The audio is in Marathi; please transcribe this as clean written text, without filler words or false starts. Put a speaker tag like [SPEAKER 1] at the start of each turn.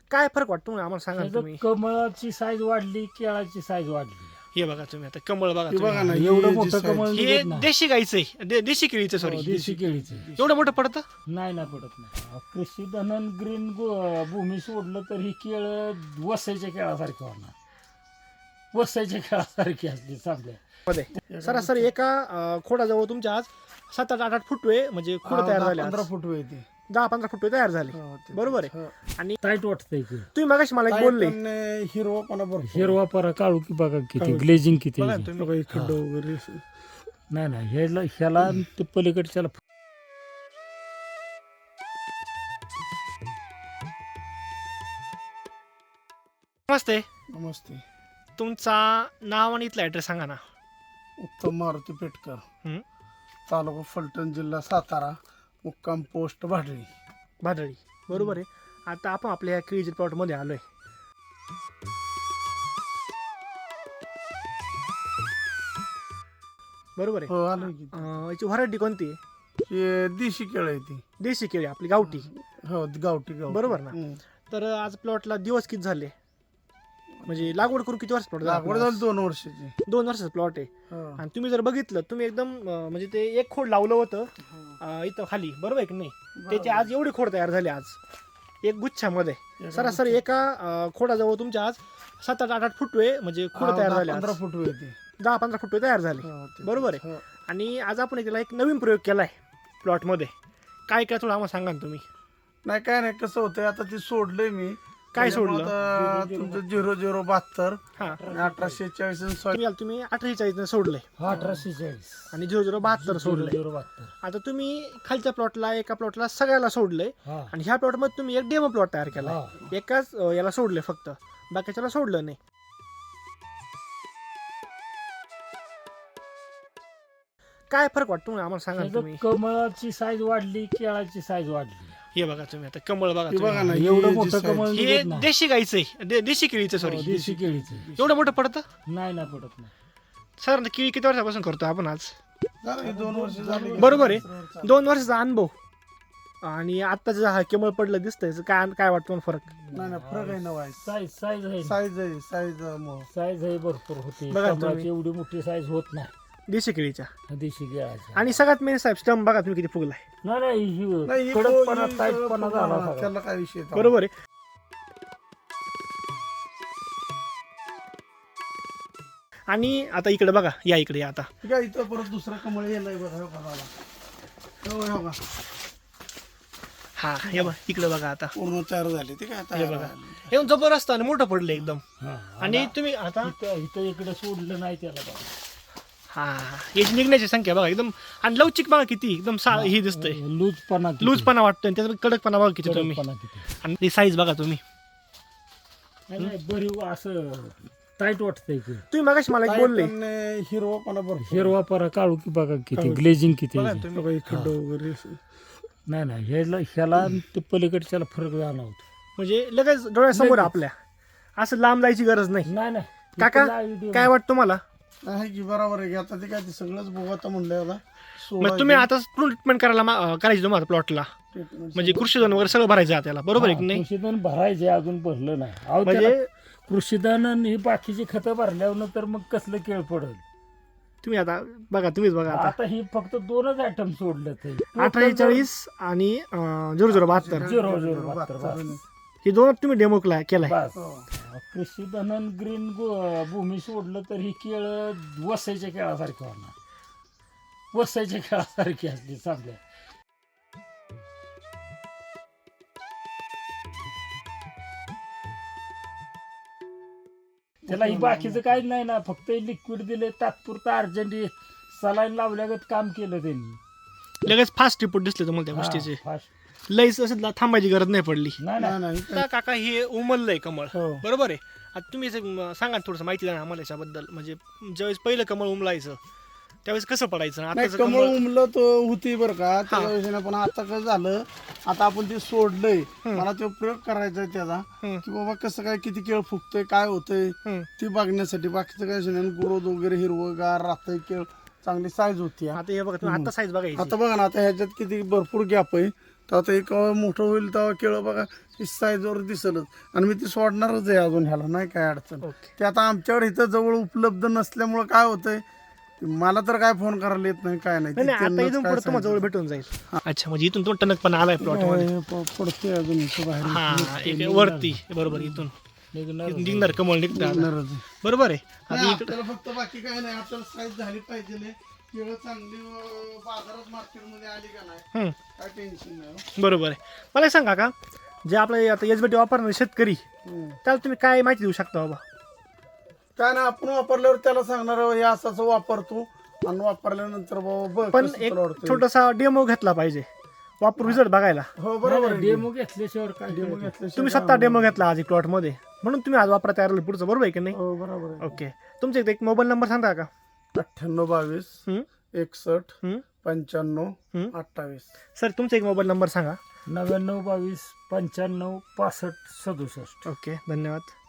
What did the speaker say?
[SPEAKER 1] काय फरक वाटतो आम्हाला सांगा ना तुम्ही.
[SPEAKER 2] कमळाची साईज वाढली, केळाची साईज वाढली.
[SPEAKER 1] हे बघा तुम्ही आता कमळ बघा
[SPEAKER 3] हे बघा ना,
[SPEAKER 1] तुम्ही.
[SPEAKER 2] एवढं
[SPEAKER 3] हे
[SPEAKER 2] मोठं
[SPEAKER 3] जे
[SPEAKER 2] कमळ
[SPEAKER 3] size-
[SPEAKER 1] हे
[SPEAKER 2] निघत नाही.
[SPEAKER 1] देशी गाईचं आहे, देशी केळीचं सॉरी.
[SPEAKER 2] देशी केळीचे
[SPEAKER 1] एवढं मोठं पडतं.
[SPEAKER 2] नाही पडत नाही. कृषी धनन ग्रीन भूमी सोडलं तर ही केळ वसायच्या केळासारखी होणार. वसायच्या केळासारखी असली चांगल्या.
[SPEAKER 1] मध्ये सरासरी एका खोडाजवळ तुमच्या आज 7-8 फुटवे म्हणजे खोड तयार झाले.
[SPEAKER 3] 15 फूट येते.
[SPEAKER 1] 10-15 फुटवे तयार झाले. बरोबर आहे. आणि
[SPEAKER 2] टाईट वाटतंय की
[SPEAKER 1] तुम्ही मगाशी मला एक बोलले
[SPEAKER 3] हिरवापणा बरोबर.
[SPEAKER 2] हिरवा परा काळू की बघा किती ग्लेजिंग किती
[SPEAKER 1] बघा
[SPEAKER 2] आहे.
[SPEAKER 1] तुम्ही.
[SPEAKER 3] बघा, हे खड्डं वगैरे
[SPEAKER 2] नाही ह्याला ते पलीकडच्याला
[SPEAKER 1] नमस्ते.
[SPEAKER 3] नमस्ते.
[SPEAKER 1] तुमचा नाव आणि इथला ऍड्रेस सांगा ना.
[SPEAKER 3] उत्तम मारुती पेटकर,
[SPEAKER 1] हम्म.
[SPEAKER 3] तालुका फलटण, जिल्हा सातारा, मुक्काम पोस्ट भाडळी.
[SPEAKER 1] भादळी. बरोबर आहे. आता आपण आपल्या या केळीच्या प्लॉट मध्ये आलोय. बरोबर आहे.
[SPEAKER 3] हो, आलो की.
[SPEAKER 1] याची व्हरायटी कोणती आहे?
[SPEAKER 3] हे देशी केळ आहे ती.
[SPEAKER 1] देशी केळी आपली गावठी.
[SPEAKER 3] हो, गावठी.
[SPEAKER 1] बरोबर ना. तर आज प्लॉटला दिवस किती झाले, म्हणजे लागवड करून किती वर्ष प्लॉट
[SPEAKER 3] लागवड झाली 2 वर्षाची.
[SPEAKER 1] 2 वर्षाचा प्लॉट आहे.
[SPEAKER 3] हो.
[SPEAKER 1] आणि तुम्ही जर बघितलं, तुम्ही एकदम म्हणजे ते एक खोड लावलं होतं इथं खाली, बरोबर आहे की नाही? त्याची आज एवढी खोड तयार झाली आज एक गुच्छामध्ये. सरासरी एका खोडाजवळ तुमच्या आज 7-8 फुटवे म्हणजे खोड तयार झाले.
[SPEAKER 3] 15 फूट येते.
[SPEAKER 1] 10-15 फुटवे तयार झाले.
[SPEAKER 3] हो, ते-
[SPEAKER 1] बरोबर आहे.
[SPEAKER 3] हो.
[SPEAKER 1] आणि आज आपण त्याला एक नवीन प्रयोग केलाय प्लॉटमध्ये. काय काय थोडं आम्हाला सांगा ना तुम्ही.
[SPEAKER 3] नाही, काय नाही, कसं होतंय आता ते सोडलंय मी.
[SPEAKER 1] काय सोडलं?
[SPEAKER 3] आता तुमचं 0072
[SPEAKER 1] हा
[SPEAKER 3] 1840
[SPEAKER 1] तुम्ही 1840 सोडलंय
[SPEAKER 2] 1840
[SPEAKER 1] आणि 0072 सोडलंय.
[SPEAKER 2] 0072.
[SPEAKER 1] आता तुम्ही खालच्या प्लॉटला एका प्लॉटला सगळ्याला सोडलंय
[SPEAKER 2] हा.
[SPEAKER 1] आणि ह्या प्लॉट मध्ये तुम्ही एक डेमो प्लॉट तयार केला.
[SPEAKER 2] हा.
[SPEAKER 1] एकाच याला सोडले फक्त, बाकीच्याला सोडलं नाही. काय फरक वाटतो आम्हाला सांगा ना तुम्ही.
[SPEAKER 2] कमळाची साईज वाढली, केळाची साईज वाढली.
[SPEAKER 1] हे बघा तुम्ही आता कमळ बघा
[SPEAKER 3] हे बघा
[SPEAKER 1] तुम्ही.
[SPEAKER 3] ना,
[SPEAKER 2] एवढं
[SPEAKER 3] हे
[SPEAKER 2] मोठं
[SPEAKER 3] जे
[SPEAKER 2] कमळ
[SPEAKER 3] size-
[SPEAKER 1] हे
[SPEAKER 2] निघत नाही.
[SPEAKER 1] देशी गाईचं आहे, देशी केळीचं सॉरी.
[SPEAKER 2] देशी केळीचे
[SPEAKER 1] एवढं मोठं पडतं.
[SPEAKER 2] नाही पडत नाही.
[SPEAKER 1] सर केळी किती वर्षापासून करतो आपण आज?
[SPEAKER 3] झालं की 2 वर्ष झाली.
[SPEAKER 1] बरोबर आहे. 2 वर्षाचा अनुभव आणि आता जे हा कमळ पडलं दिसतंय, काय काय वाटतं मला फरक?
[SPEAKER 3] नाही फरक आहे ना. वाईस
[SPEAKER 2] साईज आहे
[SPEAKER 3] साईज
[SPEAKER 2] साईज आहे भरपूर होते.
[SPEAKER 1] बघा तुम्ही.
[SPEAKER 2] कमळाची एवढी मोठी साईज होत नाही
[SPEAKER 1] देशी केळीच्या.
[SPEAKER 2] देशी केळाची.
[SPEAKER 1] आणि सगळ्यात मेन साहेब स्टंप बघा तुम्ही किती फुगलाय.
[SPEAKER 2] नाही कडकपणा टाईटपणा झाला सगळा.
[SPEAKER 3] त्याला काय विषय नाही.
[SPEAKER 1] बरोबर आहे. आणि आता इकडे बघा, या इकडे या आता.
[SPEAKER 3] ठीक आहे, इथं परत दुसरा कमळ येलाय बघा. हो का मला. हो का.
[SPEAKER 1] हा हे बघा इकडे बघा आता.
[SPEAKER 3] पूर्ण तयार झाले ते काय आता.
[SPEAKER 1] हे बघा एकदम जबरदस्त आणि मोठं पडलं एकदम.
[SPEAKER 2] हा.
[SPEAKER 1] आणि तुम्ही आता
[SPEAKER 2] इथं इकडे सोडलं नाही त्याला बघा.
[SPEAKER 1] हा याची निघण्याची संख्या बघा एकदम. आणि लवचिक बघा किती एकदम ही दिसतंय.
[SPEAKER 2] लूजपणा किती.
[SPEAKER 1] लूजपणा वाटतोय त्याचा कडकपणा बघा किती तुम्ही.
[SPEAKER 2] कडकपणा किती.
[SPEAKER 1] आणि साईज बघा तुम्ही.
[SPEAKER 2] नाही बरी असं टाईट वाटतंय की.
[SPEAKER 1] तुम्ही मगाशी मला एक बोलले
[SPEAKER 3] हिरवापणा बरोबर.
[SPEAKER 2] हिरवा परा काळू की बघा किती ग्लेजिंग किती
[SPEAKER 1] बघा
[SPEAKER 2] आहे.
[SPEAKER 1] तुम्ही.
[SPEAKER 3] बघा, हे खड्डं वगैरे
[SPEAKER 2] नाही ह्याला ते पलीकडच्याला फरक जाणवतो.
[SPEAKER 1] म्हणजे लगेच डोळ्यासमोर आपल्या असं लांब जायची गरज नाही.
[SPEAKER 2] नाही
[SPEAKER 1] काका काय वाटतं तुम्हाला?
[SPEAKER 3] आहे की बरोबर आहे की. आता ते काय ते सगळंच बघू आता म्हणलं याला
[SPEAKER 1] मग तुम्ही आता ट्रीटमेंट करायची तुम्हाला प्लॉटला, म्हणजे कृषीधन वगैरे सगळं भरायचं आहे त्याला, बरोबर आहे की नाही?
[SPEAKER 2] कृषीधन भरायचे अजून भरलं नाही. अहो,
[SPEAKER 1] म्हणजे
[SPEAKER 2] त्याला कृषीधन आणि ही बाकीची खतं भरल्यावर तर मग कसलं केळ पडेल.
[SPEAKER 1] तुम्ही आता बघा, तुम्हीच बघा आता.
[SPEAKER 2] आता ही फक्त 2च आयटम सोडले ते
[SPEAKER 1] 1840 आणि 0072
[SPEAKER 2] 0072
[SPEAKER 1] हे दोन तुम्ही डेमो केलाय.
[SPEAKER 2] बस. कृषीधन आणि ग्रीन भूमी सोडलं तर ही केळ वसायच्या केळासारखी होणार. वसायच्या केळासारखी असली चांगल्या. त्याला ही बाकीचं काहीच नाही ना, फक्त लिक्विड दिले तात्पुरतं अर्जंट सलाईन लावल्यागत काम केलं त्यांनी.
[SPEAKER 1] लगेच फास्ट रिपोर्ट दिसले तुम्हाला त्या गोष्टीचे.
[SPEAKER 2] हा, fast.
[SPEAKER 1] लईच असं थांबायची गरज नाही पडली.
[SPEAKER 2] नाही
[SPEAKER 3] नाही नाही
[SPEAKER 1] आता काका हे उमललंय कमळ,
[SPEAKER 3] हो.
[SPEAKER 1] बरोबर आहे. आता तुम्ही सांगा थोडंसं माहिती द्या ना आम्हाला याच्याबद्दल. म्हणजे ज्यावेळेस पहिलं कमळ उमलायचं त्यावेळेस कसं पडायचं
[SPEAKER 3] नाही,
[SPEAKER 1] आताचं
[SPEAKER 3] कमळ
[SPEAKER 1] कमळ?
[SPEAKER 3] उमलं तो होती बरं का त्या विषयाने. पण आता कसं झालं, आता आपण ते सोडलंय. मला तो प्रयोग करायचा आहे त्याचा, की बाबा कसं काय किती केळ फुगतोय, काय होतंय ते बघण्यासाठी. बाकीचं काय विषय नाही. ग्रोथ वगैरे हिरवगार राहतंय, केळ चांगली साईज होती.
[SPEAKER 1] आता हे बघा तुम्ही, आता साईज बघायची.
[SPEAKER 3] आता बघा ना, आता ह्याच्यात किती भरपूर गॅप आहे. तर आता एक मोठं होईल तेव्हा केळं बघा साईजवर दिसलच. आणि मी ती सोडणारच आहे अजून ह्याला, नाही काय अडचण.
[SPEAKER 1] ओके.
[SPEAKER 3] ते आता आमच्याकडे इथं जवळ उपलब्ध नसल्यामुळं काय होतंय, मला तर काय फोन करायला येत नाही, काय नाही.
[SPEAKER 1] नाही
[SPEAKER 3] ते
[SPEAKER 1] नाही, आता
[SPEAKER 3] त्यांनाच
[SPEAKER 1] इथून
[SPEAKER 3] काय
[SPEAKER 1] पुढे तुम्हाला जवळ भेटून जाईल. अच्छा, म्हणजे इथून तो टणकपणा आलाय प्लॉट मध्ये.
[SPEAKER 3] पडतोय अजून इथं बाहेर.
[SPEAKER 1] हा, एक वरती बरोबर इथून इथून निघणार कमळ निघतं आता.
[SPEAKER 3] निघणारच आहे.
[SPEAKER 1] बरोबर आहे.
[SPEAKER 3] नाही,
[SPEAKER 1] आता इकडं
[SPEAKER 3] आपल्याला फक्त बाकी काय नाही, आपल्याला साईज झाली पाहिजे. केळं चांगली बाजारात मार्केटमध्ये आली का नाही, काय टेन्शन नाही हो.
[SPEAKER 1] बरोबर आहे. मला एक सांगा का, जे आपले आता एसबीटी वापरणारे शेतकरी त्याला तुम्ही काय माहिती देऊ शकता बाबा?
[SPEAKER 3] काय नाही, आपण वापरल्यावर त्याला सांगणार हे असं असं वापरतो, आणि वापरल्यानंतर बाबा बघ
[SPEAKER 1] पण
[SPEAKER 3] कसं
[SPEAKER 1] एक
[SPEAKER 3] तुला वाटतंय.
[SPEAKER 1] छोटासा डेमो घेतला पाहिजे वापरून रिझल्ट बघायला.
[SPEAKER 3] हो बरोबर आहे.
[SPEAKER 2] डेमो घेतल्याशिवाय काय
[SPEAKER 3] डेमो
[SPEAKER 2] कळतं?
[SPEAKER 3] घेतल्याशिवाय
[SPEAKER 1] तुम्ही स्वतः डेमो घेतला आज प्लॉट मध्ये, म्हणून तुम्ही आज वापरा तयार झाले पुढचं, बरोबर आहे की नाही?
[SPEAKER 3] हो बरोबर आहे.
[SPEAKER 1] ओके. तुमचा एक मोबाईल नंबर सांगा का?
[SPEAKER 3] 98 22 61 95 28.
[SPEAKER 1] सर तुमचा एक मोबाईल नंबर सांगा.
[SPEAKER 2] 99 22 95 65 67.
[SPEAKER 1] ओके, धन्यवाद.